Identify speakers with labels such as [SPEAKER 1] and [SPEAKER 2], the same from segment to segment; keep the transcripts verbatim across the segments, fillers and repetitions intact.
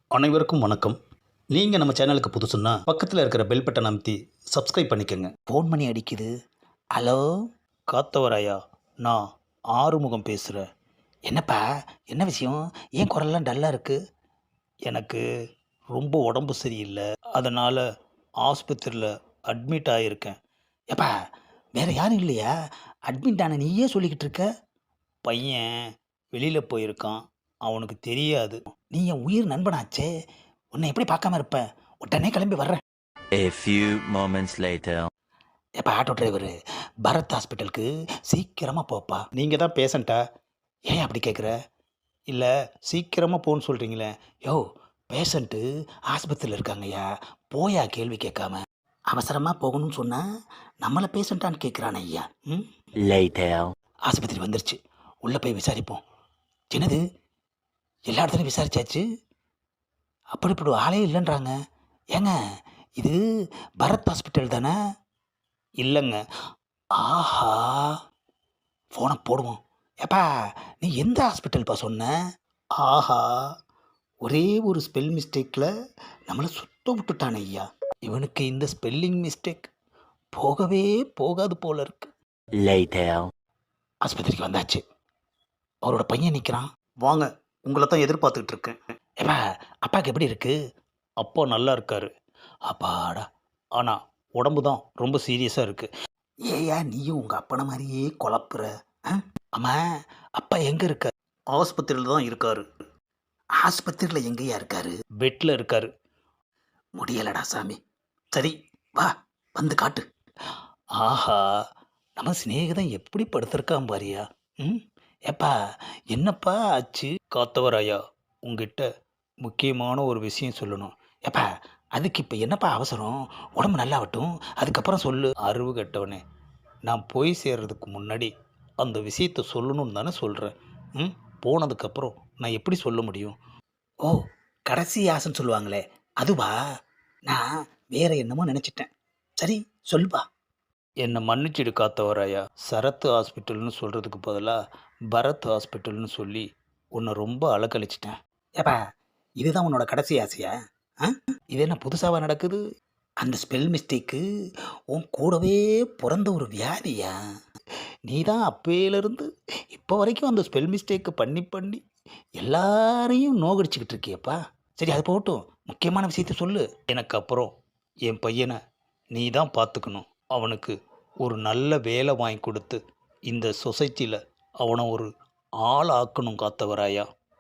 [SPEAKER 1] அனைவருக்கும் வணக்கம். நீங்கள் நம்ம சேனலுக்கு புதுசுன்னா பக்கத்தில் இருக்கிற பெல் பட்டன் அமைத்தி சப்ஸ்கிரைப் பண்ணிக்கோங்க.
[SPEAKER 2] ஃபோன் பண்ணி அடிக்குது. ஹலோ,
[SPEAKER 1] காத்தவராயா, நான் ஆறுமுகம் பேசுகிறேன்.
[SPEAKER 2] என்னப்பா? என்ன விஷயம்? ஏன் குரல்லாம் டல்லாக இருக்கு?
[SPEAKER 1] எனக்கு ரொம்ப உடம்பு சரியில்லை, அதனால் ஆஸ்பத்திரியில் அட்மிட் ஆகியிருக்கேன்.
[SPEAKER 2] ஏப்பா, வேற யாரும் இல்லையா? அட்மிட் ஆன நீயே சொல்லிக்கிட்டு இருக்க.
[SPEAKER 1] பையன் வெளியில் போயிருக்கான், அவனுக்கு தெரியாது.
[SPEAKER 2] நீ என் உயிர் நண்பனாச்சே, உன்னை எப்படி பார்க்காம இருப்பேன்? உடனே கிளம்பி வர்றேன்.
[SPEAKER 3] A few moments later.
[SPEAKER 2] ஏப்பா ஆட்டோ டிரைவரு, பரத் ஹாஸ்பிட்டலுக்கு சீக்கிரமாக போப்பா.
[SPEAKER 1] நீங்கள் தான் பேஷண்ட்டா?
[SPEAKER 2] ஏன் அப்படி கேட்குற?
[SPEAKER 1] இல்லை, சீக்கிரமாக போன்னு சொல்கிறீங்களே.
[SPEAKER 2] யோ, பேஷண்ட்டு ஆஸ்பத்திரியில் இருக்காங்கய்யா, போயா கேள்வி கேட்காம. அவசரமாக போகணும்னு சொன்னால் நம்மளை பேஷண்ட்டான்னு கேட்குறானே ஐயா. ம்
[SPEAKER 3] Later.
[SPEAKER 2] ஆஸ்பத்திரி வந்துருச்சு, உள்ளே போய் விசாரிப்போம். என்னது, எல்லா இடத்துலையும் விசாரிச்சாச்சு, அப்படி இப்படி ஒரு ஆளே இல்லைன்றாங்க. ஏங்க, இது பரத் ஹாஸ்பிட்டல் தானே?
[SPEAKER 1] இல்லைங்க.
[SPEAKER 2] ஆஹா, ஃபோனை போடுவோம். ஏப்பா, நீ எந்த ஹாஸ்பிட்டல்ப்பா சொன்ன?
[SPEAKER 1] ஆஹா, ஒரே ஒரு ஸ்பெல் மிஸ்டேக்கில் நம்மளை சுத்த விட்டுட்டானே ஐயா. இவனுக்கு இந்த ஸ்பெல்லிங் மிஸ்டேக் போகவே போகாது போல இருக்கு.
[SPEAKER 3] Later.
[SPEAKER 2] ஆஸ்பத்திரிக்கு வந்தாச்சு, அவரோட பையன் நிற்கிறான்.
[SPEAKER 1] வாங்க, உங்களை தான் எதிர்பார்த்துக்கிட்டு இருக்கேன்.
[SPEAKER 2] ஏப்பா, அப்பாவுக்கு எப்படி இருக்கு?
[SPEAKER 1] அப்பா நல்லா இருக்காரு,
[SPEAKER 2] அப்பாடா.
[SPEAKER 1] ஆனால் உடம்பு தான் ரொம்ப சீரியஸாக இருக்குது.
[SPEAKER 2] ஏயா நீயும் உங்கள் அப்பனை மாதிரியே குழப்புற? ஆ? அம்மா, அப்பா எங்கே இருக்கார்?
[SPEAKER 1] ஆஸ்பத்திரியில் தான் இருக்காரு.
[SPEAKER 2] ஆஸ்பத்திரியில் எங்கேயா இருக்காரு?
[SPEAKER 1] பெட்டில் இருக்காரு.
[SPEAKER 2] முடியலடா சாமி. சரி, வா, வந்து காட்டு.
[SPEAKER 1] ஆஹா,
[SPEAKER 2] நம்ம சிநேகிதன் எப்படி படுத்திருக்கான் பாரியா. ம் ஏப்பா, என்னப்பா ஆச்சு?
[SPEAKER 1] காத்தவராயா, உங்ககிட்ட முக்கியமான ஒரு விஷயம் சொல்லணும்.
[SPEAKER 2] ஏப்பா, அதுக்கு இப்போ என்னப்பா அவசரம்? உடம்பு நல்லாவட்டும், அதுக்கப்புறம் சொல்லு.
[SPEAKER 1] அறிவு கெட்டவனே, நான் போய் சேர்றதுக்கு முன்னாடி அந்த விஷயத்தை சொல்லணும்னு தானே சொல்கிறேன். ம் போனதுக்கப்புறம் நான் எப்படி சொல்ல முடியும்?
[SPEAKER 2] ஓ, கடைசி ஆசைன்னு சொல்லுவாங்களே, அதுவா? நான் வேற என்னமோ நினச்சிட்டேன். சரி, சொல்லுப்பா.
[SPEAKER 1] என்னை மன்னிச்சிடு காத்தவராயா. சரத் ஹாஸ்பிட்டல்னு சொல்கிறதுக்கு பதிலாக பரத் ஹாஸ்பிட்டல்னு சொல்லி உன்னை ரொம்ப அலக்கழிச்சிட்டேன்.
[SPEAKER 2] ஏப்பா, இதுதான் உன்னோட கடைசி ஆசையா? ஆ, இது என்ன புதுசாவா நடக்குது? அந்த ஸ்பெல் மிஸ்டேக்கு உன் கூடவே பிறந்த ஒரு வியாதியா?
[SPEAKER 1] நீ தான் அப்பையிலேருந்து இப்போ வரைக்கும் அந்த ஸ்பெல் மிஸ்டேக்கை பண்ணி பண்ணி
[SPEAKER 2] எல்லாரையும் நோகடிச்சுக்கிட்டு இருக்கியப்பா. சரி, அது போகட்டும், முக்கியமான விஷயத்த சொல்லு.
[SPEAKER 1] எனக்கு அப்புறம் என் பையனை நீ தான் பார்த்துக்கணும். அவனுக்கு ஒரு நல்ல வேலை வாங்கி கொடுத்து இந்த சொசைட்டியில் அவனை ஒரு ஆள் ஆக்கணும் காத்தவராயா.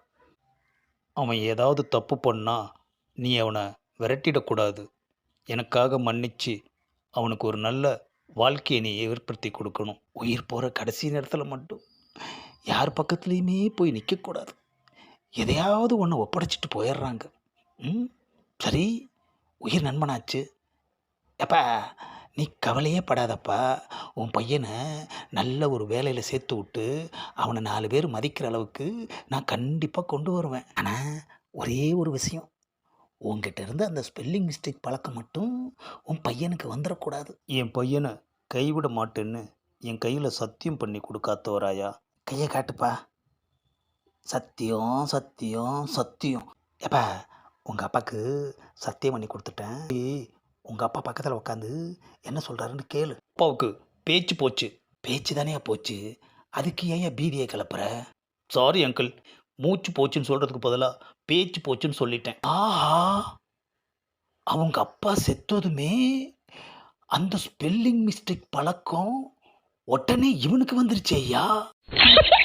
[SPEAKER 1] அவன் ஏதாவது தப்பு பண்ணா நீ அவனை விரட்டிடக்கூடாது. எனக்காக மன்னிச்சு அவனுக்கு ஒரு நல்ல வாழ்க்கையை நீ ஏற்படுத்தி கொடுக்கணும்.
[SPEAKER 2] உயிர் போகிற கடைசி நேரத்தில் மட்டும் யார் பக்கத்துலேயுமே போய் நிற்கக்கூடாது. எதையாவது ஒன்று ஒப்படைச்சிட்டு போயிடுறாங்க. ம் சரி, உயிர் நண்பனாச்சு. எப்பா, நீ கவலையே படாதப்பா. உன் பையனை நல்ல ஒரு வேலையில் சேர்த்து விட்டு அவனை நாலு பேர் மதிக்கிற அளவுக்கு நான் கண்டிப்பாக கொண்டு வருவேன். ஆனால் ஒரே ஒரு விஷயம், உங்ககிட்ட இருந்து அந்த ஸ்பெல்லிங் மிஸ்டேக் பழக்கம் மட்டும் உன் பையனுக்கு வந்துடக்கூடாது.
[SPEAKER 1] என் பையனை கைவிட மாட்டேன்னு என் கையில் சத்தியம் பண்ணி கொடுக்காத்தவராயா.
[SPEAKER 2] கையை காட்டுப்பா. சத்தியம், சத்தியம், சத்தியம். எப்பா, உங்கள் அப்பாவுக்கு சத்தியம் பண்ணி கொடுத்துட்டேன். உங்கள் அப்பா பக்கத்தில் உட்காந்து என்ன சொல்கிறாருன்னு கேளு.
[SPEAKER 1] அப்பாவுக்கு பேச்சு போச்சு.
[SPEAKER 2] பேச்சு தானே போச்சு, அதுக்கு ஏன் பீதியை கிளப்புற?
[SPEAKER 1] சாரி அங்கிள், மூச்சு போச்சுன்னு சொல்கிறதுக்கு பதிலாக பேச்சு போச்சுன்னு சொல்லிட்டேன்.
[SPEAKER 2] ஆஹா, அவங்க அப்பா செத்ததுமே அந்த ஸ்பெல்லிங் மிஸ்டேக் பழக்கம் உடனே இவனுக்கு வந்துருச்சு ஐயா.